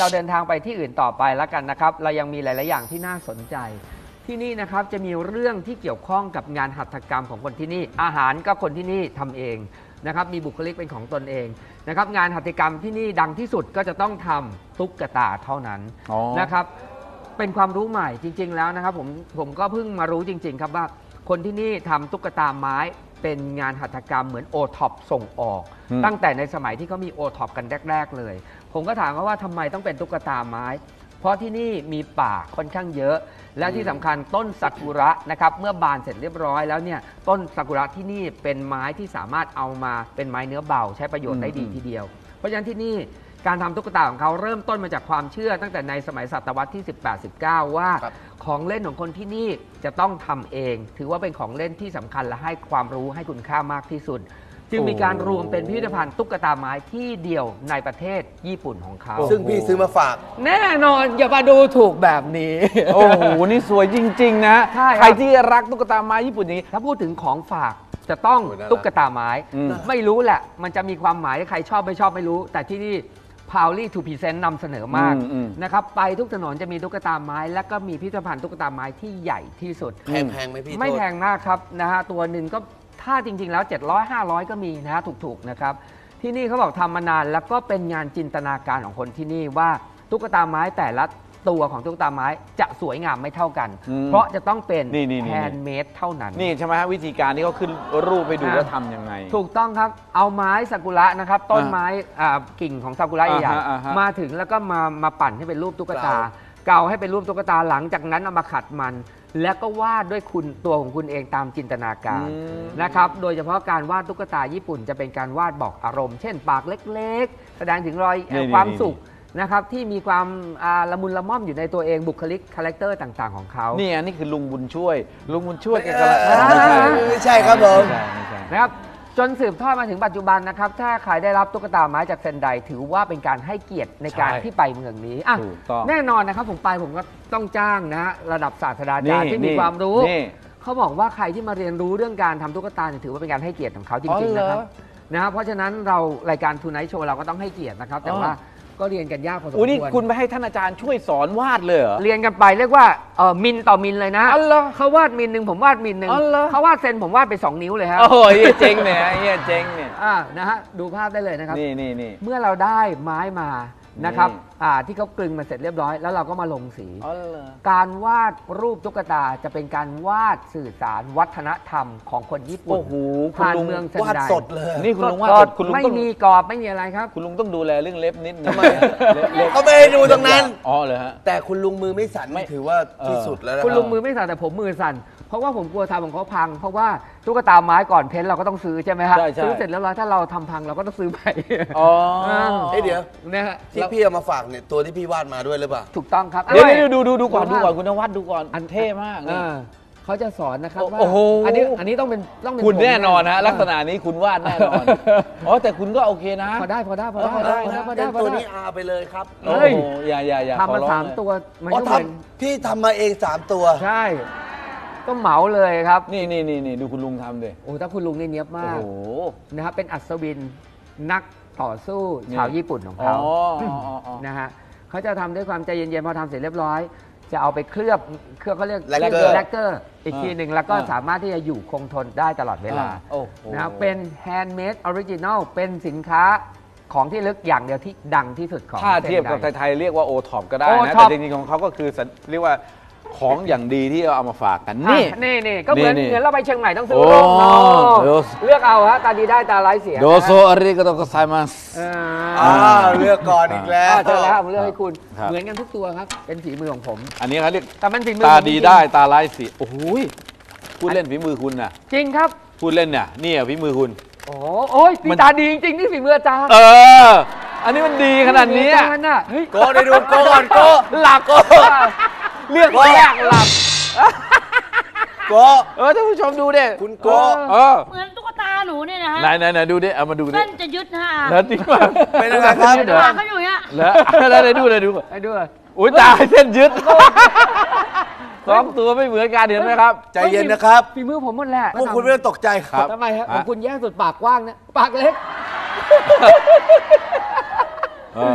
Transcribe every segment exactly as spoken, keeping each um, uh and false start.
เราเดินทางไปที่อื่นต่อไปแล้วกันนะครับเรายังมีหลายๆอย่างที่น่าสนใจที่นี่นะครับจะมีเรื่องที่เกี่ยวข้องกับงานหัตถกรรมของคนที่นี่อาหารก็คนที่นี่ทำเองนะครับมีบุคลิกเป็นของตนเองนะครับงานหัตถกรรมที่นี่ดังที่สุดก็จะต้องทำตุ๊กตาเท่านั้นนะครับเป็นความรู้ใหม่จริงๆแล้วนะครับผมผมก็เพิ่งมารู้จริงๆครับว่าคนที่นี่ทำตุ๊กตาไม้เป็นงานหัตถกรรมเหมือนโอท็อปส่งออกตั้งแต่ในสมัยที่เขามีโอท็อปกันแรกๆเลยผมก็ถามเขาว่าทำไมต้องเป็นตุ๊กตาไม้เพราะที่นี่มีป่าค่อนข้างเยอะและที่สำคัญต้นซากุระนะครับเมื่อบานเสร็จเรียบร้อยแล้วเนี่ยต้นซากุระที่นี่เป็นไม้ที่สามารถเอามาเป็นไม้เนื้อเบาใช้ประโยชน์ได้ดีทีเดียวเพราะฉะนั้นที่นี่การทำตุ๊กตาของเขาเริ่มต้นมาจากความเชื่อตั้งแต่ในสมัยศตวรรษที่ สิบแปด สิบเก้า ว่าของเล่นของคนที่นี่จะต้องทำเองถือว่าเป็นของเล่นที่สำคัญและให้ความรู้ให้คุณค่ามากที่สุดจึงมีการรวมเป็นพิพิธภัณฑ์ตุ๊กตาไม้ที่เดียวในประเทศญี่ปุ่นของเขาซึ่งพี่ซื้อมาฝากแน่นอนอย่ามาดูถูกแบบนี้โอ้โหนี่สวยจริงๆนะใครที่รักตุ๊กตาไม้ญี่ปุ่นนี้ถ้าพูดถึงของฝากจะต้องตุ๊กตาไม้ไม่รู้แหละมันจะมีความหมายใครชอบไม่ชอบไม่รู้แต่ที่นี่Proudly to present นำเสนอมากนะครับไปทุกถนนจะมีตุ๊กตาไม้และก็มีพิพิธภัณฑ์ตุ๊กตาไม้ที่ใหญ่ที่สุดแพงไหมพี่ไม่แพงมากครับนะฮะตัวหนึ่งก็ถ้าจริงๆแล้วเจ็ดร้อย ห้าร้อยก็มีนะฮะถูกๆนะครับที่นี่เขาบอกทำมานานแล้วก็เป็นงานจินตนาการของคนที่นี่ว่าตุ๊กตาไม้แต่ละตัวของตุ๊กตาไม้จะสวยงามไม่เท่ากันเพราะจะต้องเป็นแฮนด์เมดเท่านั้นนี่ใช่ไหมฮะวิธีการที่เขาขึ้นรูปไปดูว่าทำยังไงถูกต้องครับเอาไม้ซากุระนะครับต้นไม้กิ่งของซากุระใหญ่ๆมาถึงแล้วก็มามาปั่นให้เป็นรูปตุ๊กตาเกาให้เป็นรูปตุ๊กตาหลังจากนั้นเอามาขัดมันแล้วก็วาดด้วยคุณตัวของคุณเองตามจินตนาการนะครับโดยเฉพาะการวาดตุ๊กตาญี่ปุ่นจะเป็นการวาดบอกอารมณ์เช่นปากเล็กๆแสดงถึงรอยความสุขนะครับที่มีความละมุนละม่อมอยู่ในตัวเองบุคลิกคาแรคเตอร์ต่างๆของเขานี่อันนี้คือลุงบุญช่วยลุงบุญช่วยแกกำลังไม่ใช่ครับผมนะครับจนสืบทอดมาถึงปัจจุบันนะครับถ้าใครได้รับตุ๊กตาไม้จากเซนไดถือว่าเป็นการให้เกียรติในการที่ไปเมืองนี้อ่ะแน่นอนนะครับผมไปผมก็ต้องจ้างนะระดับศาสตราจารย์ที่มีความรู้เขาบอกว่าใครที่มาเรียนรู้เรื่องการทำตุ๊กตาถือว่าเป็นการให้เกียรติของเขาจริงๆนะครับนะครับเพราะฉะนั้นเรารายการทูไนท์โชว์เราก็ต้องให้เกียรตินะครับแต่ว่าก็เรียนกันยากพอสมควรนี่คุณไปให้ท่านอาจารย์ช่วยสอนวาดเลยเหรอเรียนกันไปเรียกว่าเออมิลต่อมิลเลยนะเขาวาดมิลหนึ่งผมวาดมิลหนึ่งเขาวาดเซนผมวาดไปสองนิ้วเลยครับโอ้ยเจ๋งเนี่ยเฮียเจ๋งเนี่ยอ่านะฮะดูภาพได้เลยนะครับนี่นี่นี่เมื่อเราได้ไม้มานะครับอ่าที่เขากลึงมาเสร็จเรียบร้อยแล้วเราก็มาลงสีการวาดรูปตุ๊กตาจะเป็นการวาดสื่อสารวัฒนธรรมของคนญี่ปุ่นผ่านเมืองเซนไดวาดสดเลยนี่คุณลุงวาดคุณลุงไม่มีกรอบไม่มีอะไรครับคุณลุงต้องดูแลเรื่องเล็บนิดนึงเขาไม่ให้ดูตรงนั้นอ๋อเลยฮะแต่คุณลุงมือไม่สั่นไม่ถือว่าที่สุดแล้วนะคุณลุงมือไม่สั่นแต่ผมมือสั่นเพราะว่าผมกลัวทำของเขาพังเพราะว่าตุ๊กตาไม้ก่อนเพ้นเราก็ต้องซื้อใช่ไหมฮะซื้อเสร็จแล้วถ้าเราทำพังเราก็ต้องซื้อใหม่อ๋อเฮ้ยเดี๋ยวเนี่ยที่พี่เอามาฝากเนี่ยตัวที่พี่วาดมาด้วยหรือเปล่าถูกต้องครับเดี๋ยวดูดูดูก่อนดูก่อนคุณนวัดดูก่อนอันเท่มากนี่เขาจะสอนนะครับว่าอันนี้อันนี้ต้องเป็นต้องเป็นคุณแน่นอนนะลักษณะนี้คุณวาดแน่นอนอ๋อแต่คุณก็โอเคนะพอได้พอได้พอได้พอได้นะตัวนี้อาไปเลยครับโอ้ยอย่าอย่าอย่าทำมาสามตัวอ๋อทำพี่ทำมาเองสามตัวใช่ก็เหมาเลยครับนี่นี่นี่นี่ดูคุณลุงทำดิโอ้ถ้าคุณลุงนี่เนียบมากนะครับเป็นอัศวินนักต่อสู้ชาวญี่ปุ่นของเขานะฮะเขาจะทำด้วยความใจเย็นๆพอทำเสร็จเรียบร้อยจะเอาไปเคลือบเคลือบเขาเรียกแลกเกอร์แลกเกอร์อีกทีหนึ่งแล้วก็สามารถที่จะอยู่คงทนได้ตลอดเวลานะครับเป็นแฮนด์เมดออริจินัลเป็นสินค้าของที่ลึกอย่างเดียวที่ดังที่สุดของถ้าเทียบกับไทยๆเรียกว่าโอท็อปก็ได้นะแต่จริงๆของเขาก็คือเรียกว่าของอย่างดีที่เราเอามาฝากกันนี่นี่นี่ก็เหมือนเหมือนเราไปเชียงใหม่ต้องซื้อร่มเนาะเลือกเอาฮะตาดีได้ตาไร้เสียโดโซอาริโกโตโกไซมัสอ่าเลือกก่อนอีกแล้วเจอแล้วผมเลือกให้คุณเหมือนกันทุกตัวครับเป็นฝีมือของผมอันนี้เขาเรียกแต่มันฝีมือตาดีได้ตาไร้เสียโอ้โหพูดเล่นฝีมือคุณน่ะจริงครับพูดเล่นเนี่ยนี่ฝีมือคุณโอ้โอ้ยตาดีจริงๆนี่ฝีมืออาจารย์เอออันนี้มันดีขนาดนี้โก้ได้ดูโก้ก่อนโก้หลับโก้เลือกแรกหลับโก้เออท่านผู้ชมดูดิคุณโก้เออเหมือนตุ๊กตาหนูเนี่ยนะฮะไหนไหนไหนดูดิเอามาดูดิเส้นจะยึดฮะแล้วจริงป่ะเป็นอะไรครับเดี๋ยวเขาอยู่เนี่ยแล้วแล้วไหนดูไหนดูไหนดูอุ้ยตายเส้นยึดสองตัวไม่เหมือนกันเห็นไหมครับใจเย็นนะครับฝีมือผมหมดแหละพวกคุณไม่ต้องตกใจครับทำไมครับของคุณแย่สุดปากกว้างนะปากเล็ก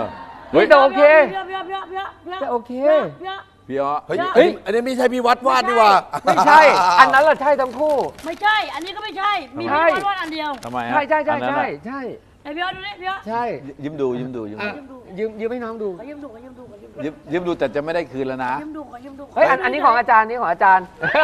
เฮ้ยแต่โอเคเพี้ยเพี้ยเพี้ยเพี้ยเพี้ยแต่โอเคเพี้ยพี่อ๋อเฮ้ยเฮ้ยอันนี้ไม่ใช่พี่วัดวาดนี่หว่าไม่ใช่ อันนั้นแหละใช่ทั้งคู่ไม่ใช่ อันนี้ก็ไม่ใช่ มีใช่พี่วาดวาดอันเดียวทำไมฮะใช่ใช่ใช่อันนั้นใช่น่ะใช่ไอ้เพี้ยดูนี่เพี้ยใช่ยิ้มดูยิ้มดูยิ้มอ่ะดูยืมยืมให้น้องดูขอยืมดูขอยืมดูขอยืมดูยิ้มยิ้มดูแต่จะไม่ได้คืนแล้วนะขอยืมดูขอยืมดูเฮ้ยอันอันนี้ของอาจารย์นี่ของอาจารย์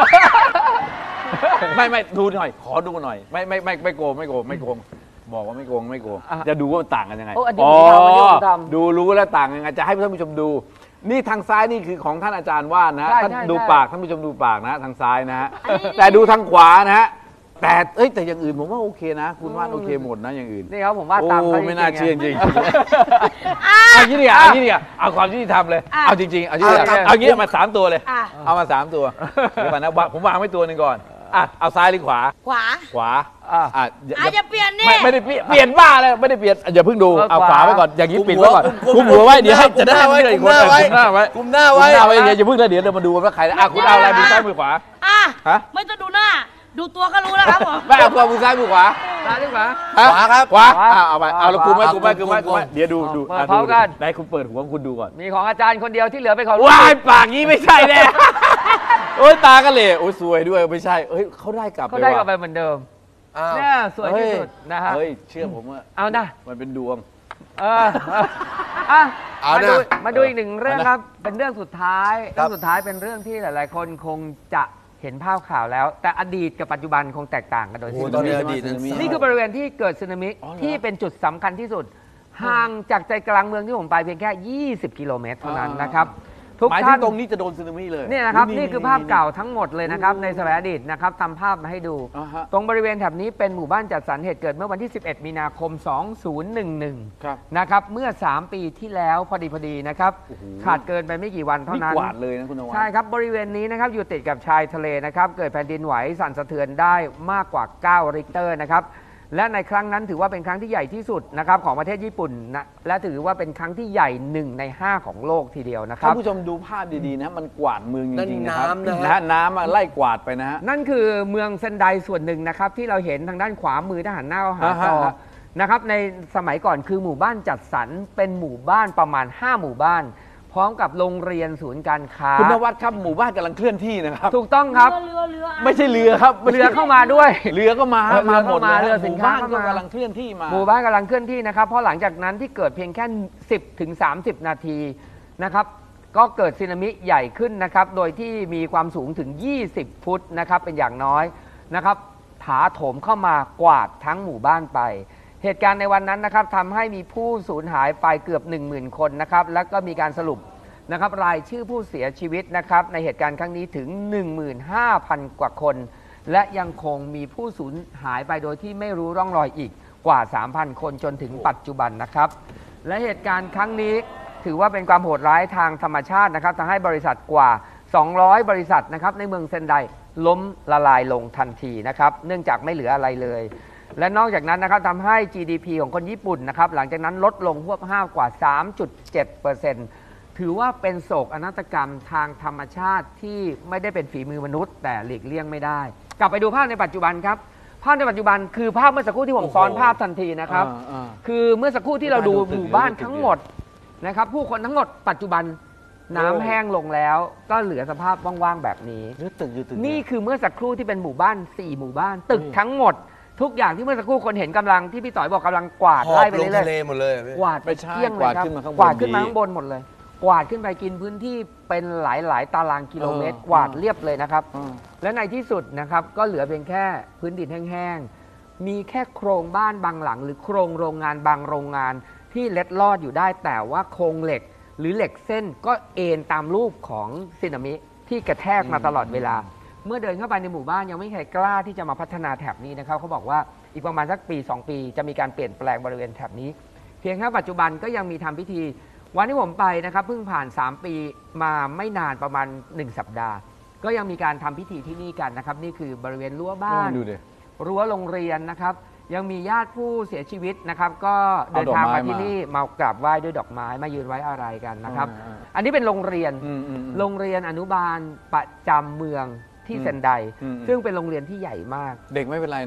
ไม่ไม่ดูหน่อย ขอดูหน่อย ไม่ไม่ไม่ไม่โกงไม่โกงไม่โกงบอกว่าไม่โกงไม่โกงอ่ะจะดูว่ามันต่างกันยังไงโอ้อันนี้ผมทำอันนี้ผมทำดูรู้แล้วต่างยังไงจะให้ท่านผู้ชมดู นี่ทางซ้ายนี่คือของท่านอาจารย์ว่านนะฮะใช่ท่านใช่ดูใช่ปากท่านผู้ชมดูปากนะฮะทางซ้ายนะฮะอันนี้แต่ดูทางขวานะฮะแต่เอ้ยแต่อย่างอื่นผมว่าโอเคนะ คุณวาดโอเคหมดนะอย่างอื่นนี่ครับผมว่าดตามโอ้เขาไม่น่าๆเชื่อจไงริงๆเอางี้ดีกว่าเอางี้ดีกว่าเอาความยุติธรรมเลยอ่ะเอาจริงๆเอาจริงอ่ะๆเอางี้เอามาสามตัวเลยอ่ะเอามาสามตัวเดี๋ยวก่อนนะวางผมวางไว้ตัวหนึ่งก่อนอ่ะเอาซ้ายหรือขวาขวาขวาอ่ะอ่ะอย่าอาจจะเปลี่ยนนี่ไม่ไม่ได้เปลี่ยนเปลี่ยนบ้าเลยไม่ได้เปลี่ยนอย่าเพิ่งดูเออเอาขวาขวาไว้ก่อนอย่างนี้กุมปิดไว้ก่อนหัวกุมหัวไว้เดี๋ยวให้กุจะมหได้น้าไว้ไม่ได้กุมหน้าไว้กุมหน้าไว้กุมหน้ากุมไว้หน้าไว้อย่าเพิ่งเลยเดี๋ยวเรามาดูว่าใครนะอ่ะคุณเอาอะไรมือซ้ายมือขวาอ่ะฮะไม่ต้องดูหน้า ดูตัวก็รู้แล้วครับผมไม่เอาตัวมือซ้ายมือขวาซ้ายหรือขวาฮะขวาครับขวาขวาอ่ะเอาไปเอาแล้วกุมไว้ขวากุมไว้กุมไว้กุกุมมไว้ไว้เดี๋ยวดูดูเปิดอ่ะพร้อมกันไหนคุณเปิดหัวคุณดูก่อนมีของอาจารย์คนเดียวที่เหลือเป็นของว้ายปากนี้ไม่ใช่แน่ โอ้ยตากันเลยโอ้ยสวยด้วยไม่ใช่เอ้ยเขาได้กลับเขาได้กลับว่ะไปเหมือนเดิมอ้าวเนี่ยสวยที่สุดนะฮะเฮ้ยเชื่อผมว่าเอานะมันเป็นดวงเอออ่ะเอามานะดูมาดูอีกหนึ่งเรื่องเอานะครับ เป็นเรื่องสุดท้ายครัเรื่อบ งสุดท้ายเป็นเรื่องที่หลาย ๆ คนคงจะเห็นภาพข่าวแล้ว แต่อดีตกับปัจจุบันคงแตกต่างกันโดยโอ้สิ้โหนตอนเชินี้งอดีตนั้นนี่คือบริเวณที่เกิดสึนามิอ๋อเหรอที่เป็นจุดสำคัญที่สุด ห่างจากใจกลางเมืองที่ผมไปเพียงแค่ ยี่สิบ กิโลเมตรเท่านั้นนะครับทุกหมายถึท่าง นตรงนี้จะโดนสึนามิเลยเนี่ยนะครับนี่คือภาพเก่านี่ทั้งหมดเลยนะครับ ในสมัยอดีตนะครับทำภาพมาให้ดูอ่าฮะตรงบริเวณแถบนี้เป็นหมู่บ้านจัดสรรเหตุเกิดเมื่อวันที่ สิบเอ็ด มีนาคม สองพันสิบเอ็ดครับนะครับเมื่อ สาม ปีที่แล้วพอดีพอดีนะครับโอ้โหขาดเกินไปไม่กี่วันเท่านี่นั้นกวาดเลยนะคุณนวัดใช่ครับบริเวณนี้นะครับอยู่ติดกับชายทะเลนะครับเกิดแผ่นดินไหวสั่นสะเทือนได้มากกว่า เก้า ริกเตอร์นะครับและในครั้งนั้นถือว่าเป็นครั้งที่ใหญ่ที่สุดนะครับของประเทศญี่ปุ่นนะและถือว่าเป็นครั้งที่ใหญ่หนึ่งในห้าของโลกทีเดียวนะคท่ารับนผู้ชมดูภาพดีๆนะมันกวาดเมืองจริงๆนั่นะครับนน้ำนะฮะนะฮะน้ำอะไล่กวาดไปนะฮะนั่นคือเมืองเซนไดส่วนหนึ่งนะครับที่เราเห็นทางด้านขวามือทหารหน้าหาจออ่าฮะนะครับในสมัยก่อนคือหมู่บ้านจัดสรรเป็นหมู่บ้านประมาณ ห้า หมู่บ้าน พร้อมกับโรงเรียนศูนย์การค้าคุณนวัดครับหมู่บ้านกำลังเคลื่อนที่นะครับถูกต้องครับเรือเรือไม่ใช่เรือครับไม่ใช่เรือเข้ามาด้วยเรือก็มาเออเรือมาหมดเข้ามาเลยเรือสินค้าหมู่บ้านเข้าก็มากำลังเคลื่อนที่มาหมู่บ้านกำลังเคลื่อนที่นะครับเพราะหลังจากนั้นที่เกิดเพียงแค่ สิบถึงสามสิบ นาทีนะครับก็เกิดสึนามิใหญ่ขึ้นนะครับโดยที่มีความสูงถึง ยี่สิบ ฟุตนะครับเป็นอย่างน้อยนะครับถาโถมเข้ามากวาดทั้งหมู่บ้านไป เหตุการณ์ในวันนั้นนะครับทำให้มีผู้สูญหายไปเกือบ หนึ่งหมื่น คนนะครับแล้วก็มีการสรุปนะครับรายชื่อผู้เสียชีวิตนะครับในเหตุการณ์ครั้งนี้ถึง หนึ่งหมื่นห้าพัน กว่าคน และยังคงมีผู้สูญหายไปโดยที่ไม่รู้ร่องรอยอีกกว่า สามพัน คนจนถึงปัจจุบันนะครับและเหตุการณ์ครั้งนี้ถือว่าเป็นความโหดร้ายทางธรรมชาตินะครับทำให้บริษัทกว่า สองร้อย บริษัทนะครับในเมืองเซนไดล้มละลายลงทันทีนะครับเนื่องจากไม่เหลืออะไรเลย และนอกจากนั้นนะครับทำให้ จี ดี พี ของคนญี่ปุ่นนะครับหลังจากนั้นลดลงพวบห้ากว่า สามจุดเจ็ดเปอร์เซ็นต์ ถือว่าเป็นโศกนาฏกรรมทางธรรมชาติที่ไม่ได้เป็นฝีมือมนุษย์ แต่หลีกเลี่ยงไม่ได้ กลับไปดูภาพในปัจจุบันครับภาพในปัจจุบันคือภาพเมื่อสักครู่ที่ผมซ้อนภาพทันทีนะครับอ่าอ่าคือเมื่อสักครู่ที่เราดูดูตึกหมู่บ้านดูตึกทั้งหมดนะครับผู้คนทั้งหมดปัจจุบันน้ำแห้งลงแล้ว ก็เหลือสภาพว่างๆแบบนี้หรือตึกอยู่ตึกนี่เยคือเมื่อสักครู่ที่เป็นหมู่บ้านสี่หมู่บ้าน ตึกอืมทั้งหมด ทุกอย่างที่เมื่อสักครู่คนเห็นกำลังที่พี่ต่อยบอกกำลังกวาดหอไล่บไปลงเรื่อทะเลยๆหมดเลยอะพี่กวาดไม่ใช่เกลี้ยงเลยครับกวาดขึ้นมาข้างบนกวาดขึ้นมาดีข้างบนหมดเลย กวาดขึ้นไปกินพื้นที่เป็นหลายหลายๆตารางกิโลเมตรเออกวาดเรียบเลยนะครับอืมและในที่สุดนะครับก็เหลือเพียงแค่พื้นดินแห้งๆมีแค่โครงบ้านบางหลัง หรือโครงโรงงานบางโรงงานที่เล็ดลอดอยู่ได้ แต่ว่าโครงเหล็กหรือเหล็กเส้นก็เอ็นตามรูปของสึนามิที่กระแทกมาตลอดเวลา เมื่อเดินเข้าไปในหมู่บ้านยังไม่มีใครกล้าที่จะมาพัฒนาแถบนี้นะครับเขาบอกว่าอีกประมาณสักปี สอง ปีจะมีการเปลี่ยนแปลงบริเวณแถบนี้ เพียงแค่ปัจจุบันก็ยังมีทำพิธีวันที่ผมไปนะครับเพิ่งผ่าน สาม ปีมาไม่นานประมาณ หนึ่ง สัปดาห์ ก็ยังมีการทำพิธีที่นี่กันนะครับนี่คือบริเวณรั้วบ้านดูดิรั้วโรงเรียนนะครับยังมีญาติผู้เสียชีวิตนะครับก็เดินทางเอาดอกไม้มาที่มานี่มากราบไหว้ด้วยดอกไม้มายืนไว้อะไรกันนะครับอ่าอันนี้เป็นโรงเรียนอืมอืมอืมโรงเรียนอนุบาลประจำเมืองที่อืมเซนไดอืมซึ่งเป็นโรงเรียนที่ใหญ่มากเด็กไม่เป็นไรนะ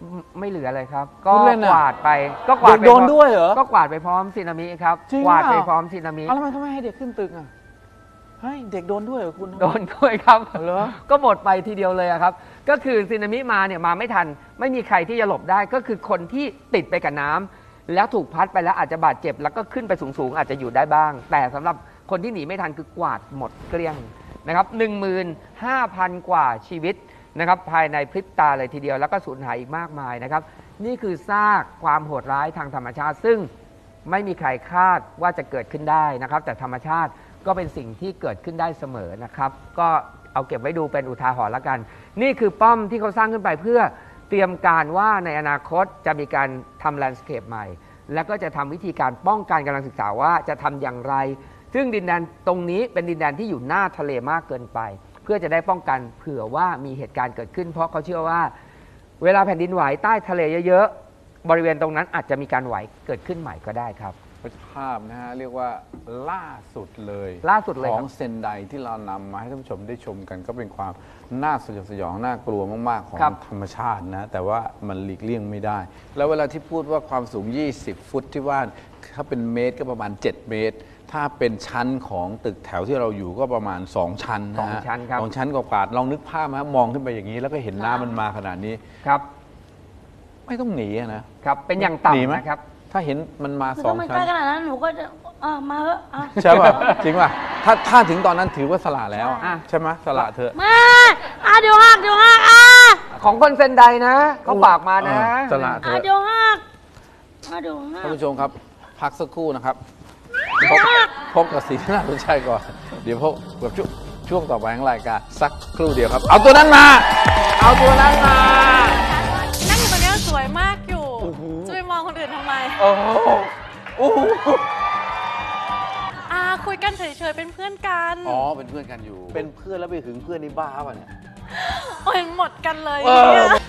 ไม่เหลือเลยครับ ก็พูดเล่นกอะวาดไปก็กวาดไปโดนพร้อมด้วยเหรอก็กวาดไปพร้อมสึนามิครับจริงกวาดไปเปล่าพร้อมสึนามิเอาแล้วทำไมเขาไม่ให้เด็กขึ้นตึกอ่ะเฮ้ยเด็กโดนด้วยเหรอคุณโดนด้วยครับเหรอก็หมดไปทีเดียวเลยอะครับ ก็คือสึนามิมาเนี่ยมาไม่ทัน ไม่มีใครที่จะหลบได้ก็คือคนที่ติดไปกับน้ำแล้วถูกพัดไปแล้วอาจจะบาดเจ็บแล้วก็ขึ้นไปสูงๆอาจจะอยู่ได้บ้าง แต่สำหรับคนที่หนีไม่ทันคือกวาดหมดเกลี้ยงนะครับ หนึ่งหมื่นห้าพัน กว่าชีวิตนะครับภายในพริบตาเลยทีเดียวแล้วก็สูญหายอีกมากมายนะครับนี่คือซากความโหดร้ายทางธรรมชาติ ซึ่งไม่มีใครคาดว่าจะเกิดขึ้นได้นะครับแต่ธรรมชาติก็เป็นสิ่งที่เกิดขึ้นได้เสมอนะครับก็เอาเก็บไว้ดูเป็นอุทาหรณ์ละกันนี่คือป้อมที่เขาสร้างขึ้นไปเพื่อเตรียมการว่าในอนาคตจะมีการทำแลนด์สเคปใหม่แล้วก็จะทำวิธีการป้องกันกำลังศึกษาว่าจะทำอย่างไรซึ่งดินแดนตรงนี้เป็นดินแดนที่อยู่หน้าทะเลมากเกินไปเพื่อจะได้ป้องกันเผื่อว่ามีเหตุการณ์เกิดขึ้นเพราะเขาเชื่อว่าเวลาแผ่นดินไหวใต้ทะเลเยอะๆบริเวณตรงนั้นอาจจะมีการไหวเกิดขึ้นใหม่ก็ได้ครับภาพนะฮะเรียกว่าล่าสุดเลยล่าสุดเลยขคอรังบเซนไดที่เรานำมาให้ท่านผู้ชมได้ชมกันก็เป็นความน่าสยดสยองน่ากลัวมากๆของครับธรรมชาตินะแต่ว่ามันหลีกเลี่ยงไม่ได้ แล้วเวลาที่พูดว่าความสูงยี่สิบฟุตที่ว่าถ้าเป็นเมตรก็ประมาณเจ็ดเมตรถ้าเป็นชั้นของตึกแถวที่เราอยู่ก็ประมาณสองชั้นนะสองฮะชั้นครับสองชั้นกว่าๆลองนึกภาพนะมองขึ้นไปอย่างนี้ แล้วก็เห็นน้ำมันมาขนาดนี้ครับไม่ต้องหนีอะนะครับเป็นอย่างหนีไหมต่ำนะครับถ้าเห็นมันมาคือสอถ้าง มันใกชั้ล้นขนาดนั้นหนูก็จะอ่ะมาเถอะอ่ะใช่ป่ะ จริงป่ะถ้าถ้าถึงตอนนั้นถือว่าสละแล้วอ่ะใช่ไหมสละเถอะมาอ่ะเดี๋ยวหักเดี๋ยวหักอ่ะของคนเซนไดนะเขาฝากมานะเออสละอ่ะเดี๋ยวหักอ่ะเดี๋ยวหักท่านผู้ชมครับ พักสักครู่นะครับพบพบกับสีที่น่าสนใจก่อน เดี๋ยวพบกับช่วงช่วงต่อไปของรายการสักครู่เดียวครับ เอาตัวนั้นมา เอาตัวนั้นมานั่งอยู่ตรงนี้สวยมากอยู่จะไปมองคนอื่นทำไมโอ้โหโอ้โหอ่าคุยกันเฉยๆเป็นเพื่อนกันอ๋อเป็นเพื่อนกันอยู่ เป็นเพื่อนแล้วไปหึงเพื่อนนี่บ้าป่ะเนี่ยโอ้ยหมดกันเลยเออเนี่ย